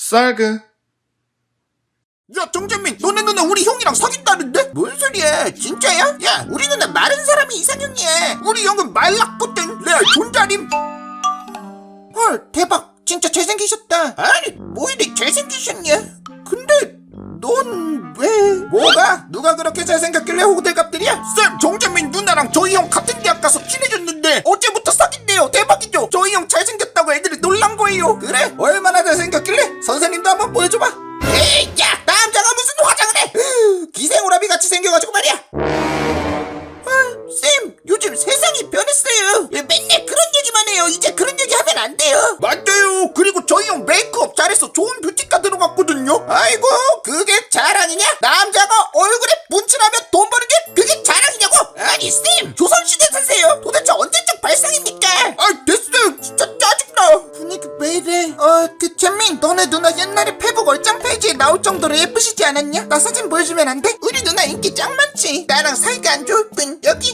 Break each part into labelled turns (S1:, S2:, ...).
S1: 쌀그.
S2: 야 정재민, 너네 누나 우리 형이랑 사귄다는데? 뭔 소리야, 진짜야? 야 우리 누나 마른 사람이 이상형이야. 우리 형은 말랐거든. 레알 존잘임. 헐 대박, 진짜 잘생기셨다. 아니 뭐 이리 잘생기셨냐? 근데 넌 왜? 뭐가? 누가 그렇게 잘생겼길래 호들갑들이야? 쌤, 정재민 누나랑 저희 형 같은 대학 가서 친해졌는데 어제부터 사귄대요. 대박이죠? 저희 형 잘생겼다고 애들이 놀란 거예요. 그래? 얼마나 잘생겼길래? 선생님도 한번 보여줘봐. 에이 야, 남자가 무슨 화장을 해? 기생오라비 같이 생겨가지고 말이야. 쌤, 요즘 세상이 변했어요. 왜 맨날 그런 얘기만 해요. 이제 그런 얘기 하면 안 돼요. 맞아요. 그리고 저희 형 메이크업 잘해서 좋은 뷰티과 들어갔거든요. 아이고, 그게 자랑이냐? 남자가 얼굴에 문칠하면 돈 버는 게 그게 자랑이냐고? 아니 쌤, 조선시대 사세요. 도대체 언제적 발상입니까? 아 됐어요. 진짜 짜증나. 분위기 왜 이래? 그 재민, 너네 누나 옛날에 페북 얼짱 페이지에 나올 정도로 예쁘시지 않았냐? 나 사진 보여주면 안 돼? 우리 누나 인기 짱 많지. 나랑 사이가 안 좋을 뿐. 여기.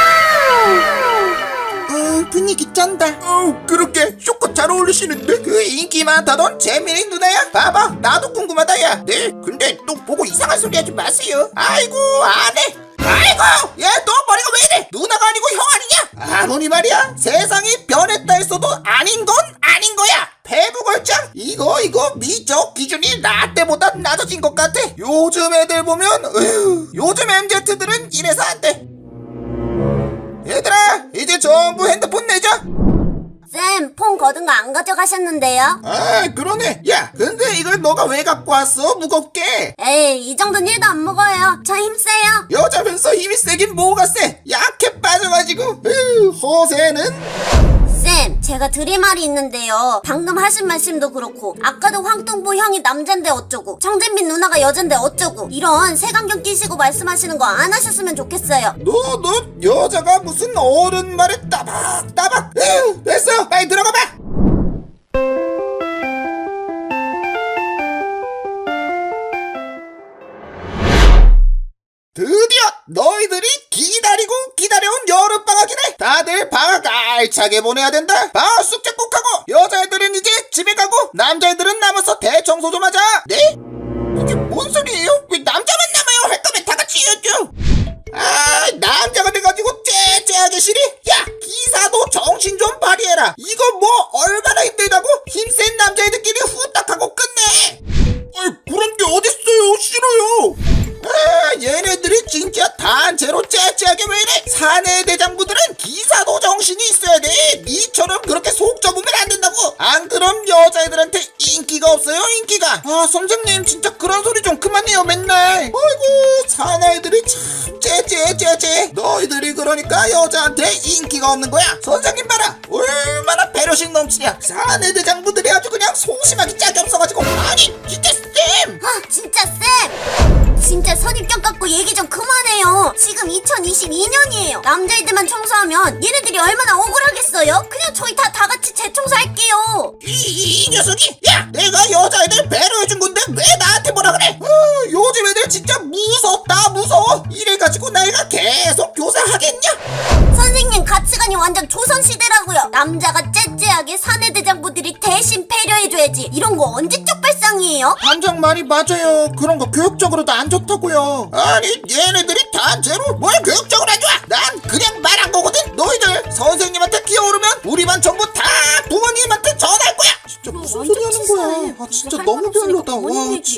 S2: 분위기 짠다. 그렇게 쇼컷 잘 어울리시는데? 그 인기 많다던 재민이 누나야? 봐봐, 나도 궁금하다. 야 네, 근데 또 보고 이상한 소리 하지 마세요. 아이고 안해. 아이고, 얘 너 머리가 왜 이래? 누나가 아니고 형 아니냐? 아무리 말이야, 세상이 변했다 했어도 아닌 건 아닌 거야. 페북 얼짱? 이거 미적 기준이 나 때보다 낮아진 것 같아. 요즘 애들 보면 요즘 MZ들은 이래서 안 돼. 얘들아, 이제 전부 핸드폰 내자.
S3: 쌤, 폰 거둔 거 안 가져가셨는데요?
S2: 아 그러네. 야 근데 이걸 너가 왜 갖고 왔어? 무겁게.
S3: 에이, 이 정도는 1도 안 먹어요. 저 힘세요.
S2: 여자면서 힘이 세긴 뭐가 세. 약해 빠져가지고. 허세는.
S3: 쌤, 제가 드릴 말이 있는데요. 방금 하신 말씀도 그렇고 아까도 황동보 형이 남잔데 어쩌고 정재민 누나가 여잔데 어쩌고 이런 색안경 끼시고 말씀하시는 거 안 하셨으면 좋겠어요.
S2: 너 여자가 무슨 어른 말에 따박. 됐어, 빨리 들어가봐. 드디어 너희들이 기다려온 여름방학이네. 다들 방학 알차게 보내야 된다. 방학 숙제 꼭 하고, 여자애들은 이제 집에 가고 남자애들은 남아서 대청소 좀 하자. 네? 이게 뭔 소리예요? 왜 남자만 남아요? 할 거면 다 같이 해야죠. 아, 남자가 돼가지고 째째하게 싫이? 야, 기사도 정신 좀 발휘해라. 이거 뭐 얼마나 힘들다고? 힘센 남자애들끼리 후딱하고 끝내. 아이, 그런 게 어딨어요. 싫어요. 아, 얘네들이 진짜 단체로 째째하게 왜 이래? 사내 대장부들은 기사도 정신이 있어야 돼. 니처럼 그렇게 속 접으면 안 된다고. 안 그럼 여자애들한테 인기가 없어요, 인기가. 아, 선생님 진짜 그런 소리 좀 그만해요, 맨날. 아이고, 사내애들이 참 째째. 너희들이 그러니까 여자한테 인기가 없는 거야. 선생님 봐라, 얼마나 배려심 넘치냐. 사내 대장부들이 아주 그냥 소심하기 짝이 없어가지고. 아니 진짜 쌤.
S3: 진짜 쌤, 진짜 선입견 갖고 얘기 좀 그만해요. 지금 2022년이에요. 남자애들만 청소하면 얘네들이 얼마나 억울하겠어요? 그냥 저희 다 같이 재청소할게요.
S2: 이 녀석이. 야, 내가 여자애들 배려해준 건데 왜 나한테 뭐라 그래? 요즘 애들 진짜 무섭다, 무서워. 이래가지고 내가 계속 교사하겠냐?
S3: 선생님 가치관이 완전 조선시대라고요. 남자가 째째하게 사내대장부들이 대신 배려해줘야지. 이런 거 언제적 발상이에요?
S2: 반장 말이 맞아요. 그런 거 교육적으로도 안 좋다고요. 아니 얘네들이 단체로 뭘 교육적으로 안 좋아. 난 그냥 말한 거거든. 너희들 선생님한테 기어오르면 우리 반 전부 다 부모님한테 전화할 거야. 진짜 무슨 소리 하는 거야. 아 진짜 너무 별로다. 와.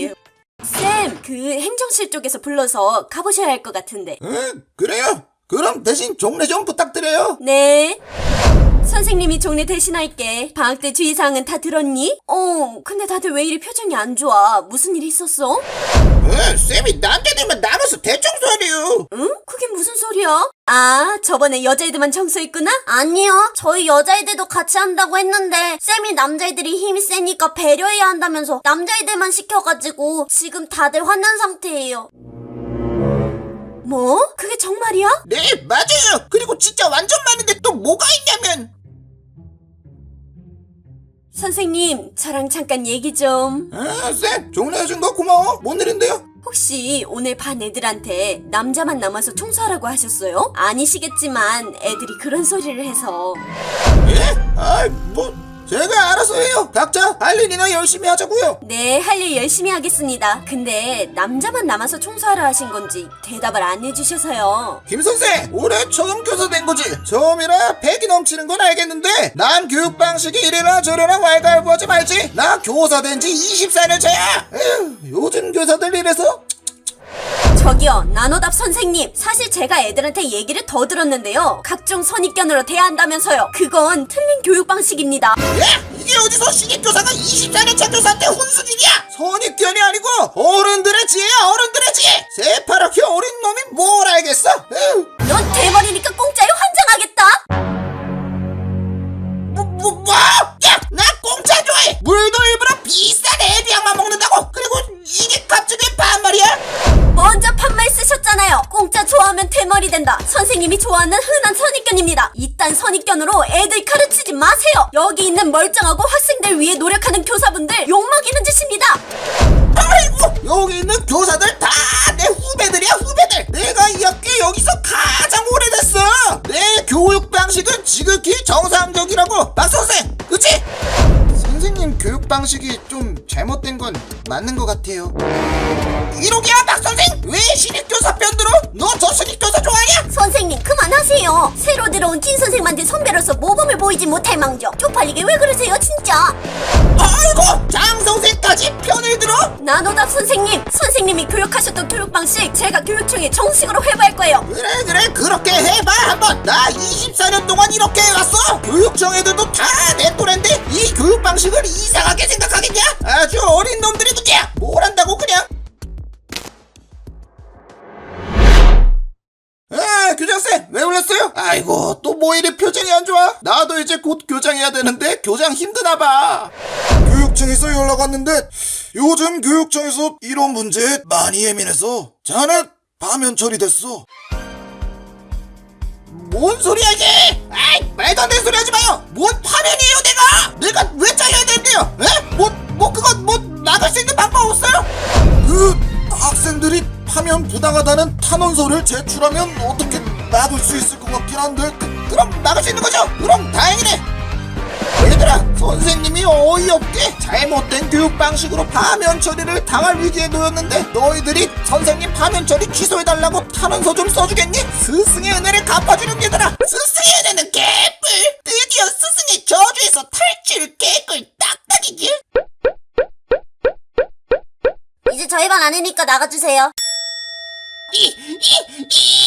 S4: 쌤, 그 행정실 쪽에서 불러서 가보셔야 할 것 같은데.
S2: 그래요? 그럼 대신 종례 좀 부탁드려요.
S4: 네. 선생님이 종례 대신할게. 방학 때 주의사항은 다 들었니? 근데 다들 왜 이리 표정이 안 좋아? 무슨 일 있었어?
S2: 쌤이 남자들만 남아서 대청소하래요.
S4: 응? 그게 무슨 소리야? 아, 저번에 여자애들만 청소했구나?
S3: 아니요, 저희 여자애들도 같이 한다고 했는데 쌤이 남자애들이 힘이 세니까 배려해야 한다면서 남자애들만 시켜가지고 지금 다들 화난 상태예요.
S4: 뭐? 그게 정말이야?
S2: 네, 맞아요. 그리고 진짜 완전 많은데 또 뭐가 있냐면.
S4: 선생님, 저랑 잠깐 얘기 좀.
S2: 쌤, 종례해준 거 고마워. 뭔 일인데요?
S4: 혹시 오늘 반 애들한테 남자만 남아서 청소하라고 하셨어요? 아니시겠지만 애들이 그런 소리를 해서.
S2: 예? 제가 알아서 해요. 각자 할 일이나 열심히 하자고요.
S4: 네, 할 일 열심히 하겠습니다. 근데 남자만 남아서 청소하라 하신 건지 대답을 안 해주셔서요.
S2: 김 선생, 올해 처음 교사 된 거지? 처음이라 패기 넘치는 건 알겠는데 남 교육 방식이 이래나 저래나 왈가왈부하지 말지. 나 교사 된 지 24년 차야. 에휴, 요즘 교사들 이래서.
S4: 저기요, 나노답 선생님. 사실 제가 애들한테 얘기를 더 들었는데요. 각종 선입견으로 대한다면서요. 그건 틀린 교육 방식입니다.
S2: 야, 이게 어디서 신입교사가 24년 차 교사한테 혼수질이야? 선입견이 아니고 어른들의 지혜야, 어른들의 지혜. 새파랗게 어린 놈이 뭘 알겠어? 에휴.
S4: 넌 대머리니까 공짜로 환장하겠다.
S2: 뭐? 야, 나 공짜 좋아해. 물도 일부러 비싼 애비약만 먹는다고. 그리고 이게 갑자기 반말이야?
S4: 먼저 판말 쓰셨잖아요. 공짜 좋아하면 대머리 된다. 선생님이 좋아하는 흔한 선입견입니다. 이딴 선입견으로 애들 가르치지 마세요. 여기 있는 멀쩡하고 학생들 위해 노력하는 교사분들 욕먹이는 짓입니다.
S2: 아이고, 여기 있는 교사들 다 내 후배들이야, 후배들. 내가 이 학교에 여기서 가장 오래됐어. 내 교육 방식은 지극히 정상적이라고, 박 선생. 그치? 선생님 교육 방식이 좀 잘못된 건 맞는 것 같아요. 이러기야, 박 선생. 왜 신입교사 편 들어? 너 저 신입교사 좋아하냐?
S3: 선생님 그만하세요. 새로 들어온 진 선생님한테 선배로서 모범을 보이지 못할 망정. 쪽팔리게 왜 그러세요 진짜.
S2: 아이고, 장 선생까지 편을 들어?
S4: 나노답 선생님, 선생님이 교육하셨던 교육 방식 제가 교육청에 정식으로 회부할 거예요.
S2: 그래, 그렇게 해봐 한번. 나 24년 동안 이렇게 해왔어. 교육청 애들도 다 내 또래인데 이 교육 방식을 이상하게 생각하겠냐? 아주 어린 놈들이 문제야. 뭘 한다고 그냥. 아, 교장쌤 왜 울렸어요? 아이고, 또 뭐 이리 표정이 안 좋아? 나도 이제 곧 교장해야 되는데 교장 힘드나봐. 교육청에서 연락 왔는데 요즘 교육청에서 이런 문제에 많이 예민해서 자네 파면 처리됐어. 뭔 소리야 이게? 아이, 말도 안 되는 소리 하지 마요. 뭔 파면이에요 내가 왜 잘려야 되는데요? 에? 그건 나갈 수 있는 방법 없어요? 그 학생들이 파면 부당하다는 탄원서를 제출하면 어떻게 막을 수 있을 것 같긴 한데 그럼 막을 수 있는 거죠? 그럼 다행이네. 얘들아, 선생님이 어이없게 잘못된 교육 방식으로 파면 처리를 당할 위기에 놓였는데 너희들이 선생님 파면 처리 취소해달라고 탄원서 좀 써주겠니? 스승의 은혜를 갚아주는 얘들아. 스승의 은혜는 개뿔. 드디어 스승의 저주에서 탈출. 개꿀 딱딱이지.
S3: 이제 저희 반 아니니까 나가주세요.
S2: 이